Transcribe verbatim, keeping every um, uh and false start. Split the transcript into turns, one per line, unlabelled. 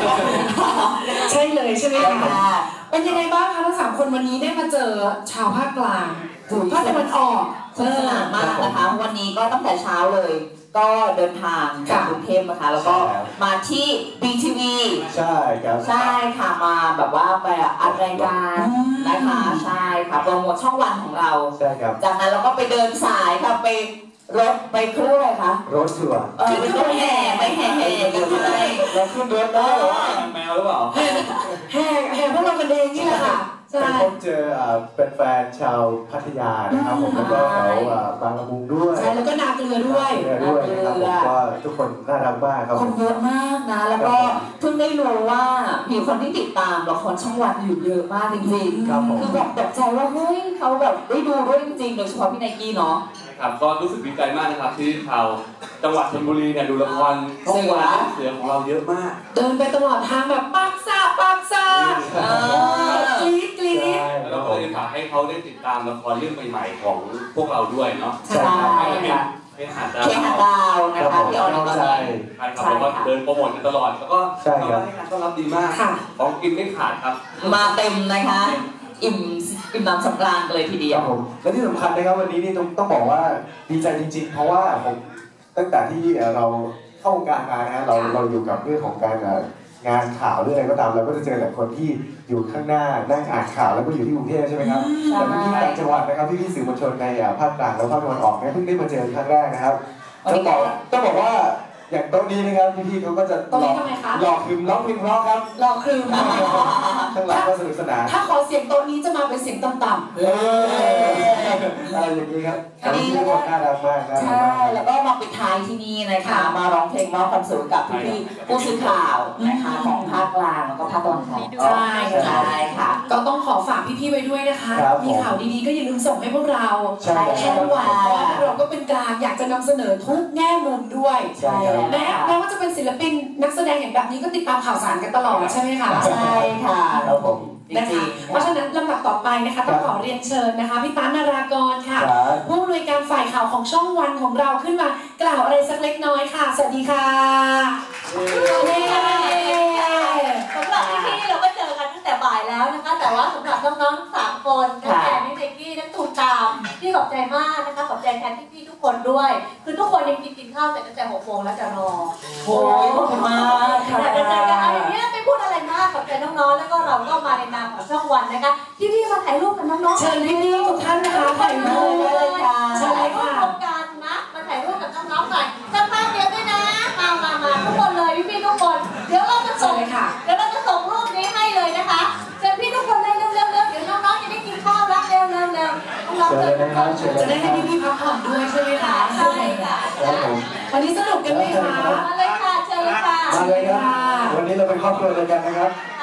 ใช่เลยใช่ไหมคะเป็นยังไงบ้างคะทั้งสามคนวันนี้ได้มาเจอชาวภาคกลางภาคตะวันออก
สนุกสนานมากนะคะวันนี้ก็ตั้งแต่เช้าเลยก็เดินทางจากกรุงเทพนะคะแล้วก็มาที่ บี ที วี
ใช่ครับ
ใช่ค่ะมาแบบว่าไปอัดรายการนะคะใช่ค่ะโปรโมทช่องวันของเรา
ใช่ครับ
จากนั้นเราก็ไปเดินสายค่ะไปรถไปเครื่องอะไรคะ
รถทัวร์
เออไปรถแห่ไปแห่แห่กันไป
เราขึ้นรถได้หรอ
แมวหรือเปล่า
แห่แห่แห่พวกเรากันเองนี่แหละค่ะ
ไปพบเจอเป็นแฟนชาวพัทยานะครับผมแล้วก็แถวบางละมุงด้วย
ใช่แล้วก็นาเกลือด้วย
นาเกลือด้วยนะครับผมก็ทุกคนน่ารักมากครับ
คนเยอะมากนะแล้วก็เพิ่งได้รู้ว่ามีคนที่ติดตามละครช่องวันอยู่เยอะมากจริงๆคือแบบตกใจว่าเฮ้ยเขาแบบได้ดูด้วยจริงๆโดยเฉพาะพี่ไนกี้เนาะ
ครับก็รู้สึกดีใจมากนะครับที่ชาวจังหวัดชลบุรีเนี่ยดูละครช่องวันเสือของเราเยอะมาก
เดินไปตลอดทางแบบปักซาปักซากรี๊ดกรี๊ด
แล้วก็เลยฝากให้เขาได้ติดตามละครเรื่องใหม่ๆของพวกเราด้วยเนาะ
ใช่ค่ะ
เคหะดาว
เคหะดาวนะคะที่ออนไลน์
ใช่ครับแล้วก็เดินโปรโมทกันตลอดแล้วก็ให้การต้อนรับดีมากของกินไม่ขาดครับ
มาเต็มนะคะอิ่มอิ่มน้ำสำราญเลยทีเดียว
ผมและที่สำคัญนะครับวันนี้นี่ต้องต้องบอกว่าดีใจจริงๆเพราะว่าผมตั้งแต่ที่เราเข้าวงการมานะฮะเราเราอยู่กับเรื่องของการงานข่าวเรื่องอะไรก็ตามเราก็จะเจอแต่คนที่อยู่ข้างหน้านั่งอ่านข่าวแล้วก็อยู่ที่กรุงเทพใช่ไหมครับแต่พี่ๆต่างจังหวัดนะครับพี่ๆสื่อมวลชนในภาคกลางและภาคตะวันออกเนี่ยเพิ่งได้มาเจอครั้งแรกนะครับต้องบอกต้องบอกว่าอย่างโต๊ะนี้นะครับพี่ๆเขาก็จะหลอกหลอกคืมร้องเพลงร้องครับ
หลอกคืม
ทั้งหลังก็สนุกสนาน
ถ้าขอเสียงโต๊ะนี้จะมาเป็นเสียงต่ำๆ
เอออะไรอย่างนี้ครับพี่ทุกคนน่ารักมาก
ใช่แล้วก็มาปิดท้ายที่นี่นะคะมาร้องเพลงมอบความสุขกับพี่ๆผู้สื่อข่าวนะคะของภาคกลางแล้วก็ภาคตะวันออก
ใช่
ใช่ค่ะ
ก็ต้องขอฝากพี่ๆไว้ด้วยนะคะมีข่าวดีๆก็อย่าลืมส่งให้พวกเราช่องวันเราก็เป็นกลางอยากจะนำเสนอทุกแง่มุมด้วยแม้แม้ว่าจะเป็นศิลปินนักแสดงอย่างแบบนี้ก็ติดตามข่าวสารกันตลอดใช่ไหมคะ
ใช่ค่ะ
ครับผม
นะคะเพราะฉะนั้นลำดับต่อไปนะคะต้องขอเรียนเชิญนะคะพี่ตานนารากรค่ะผู้อำนวยการฝ่ายข่าวของช่องวันของเราขึ้นมากล่าวอะไรสักเล็กน้อยค่ะสวัสดีค่ะ
สวัสดีค่ะสำหรับพี่ๆเราก็เจอกันตั้งแต่บ่ายแล้วนะคะแต่ว่าสำหรับน้องๆสามคนทั้งแอนนี่เบกกี้ทั้งตูตามพี่ขอบใจมากนะคะขอบใจแทนพี่ๆทุกคนด้วยคือทุกคนยังกินกินข้าวเสร็จตั้งแต่หกโมงแล้วจะรอ
โอ้ยขอบคุณมาก
ค่ะจะเจอกันอะไรเนี้ยไม่พูดอะไรมากขอบใจน้องๆแล้วก็เราก็มาในนามของช่องวันนะคะพี่ๆมาถ่ายรูปกับน้องๆ
เชิญพี่ๆทุกท่านนะคะถ่ายรูป
เลยค่ะเชิญเลยค่ะโครงการนะมาถ่ายรูปกับน้องๆหน่อยสักพักเดียวด้วยนะมามามาทุกคนเลยพี่ๆทุกคนเดี๋ยวเราจะส่งเดี๋ยวเราจะส่งรูปนี้ให้เลยนะคะเชิญพี่ทุกคนเลยเร็วๆเดี๋ยวน้องๆจะได้กินข้าวแล้วเร็วๆเร็วน้องๆ
จะได้ให้พี่ๆพักผ่อนด้วยใช่ไหมคะ
ใช่ค่ะ
วันนี้สนุกกันไหมคะ
มาเลยค่ะเชิญเลยค่ะ
มาเลยครับวันนี้เราเป็นครอบครัวเดียวกันนะครับ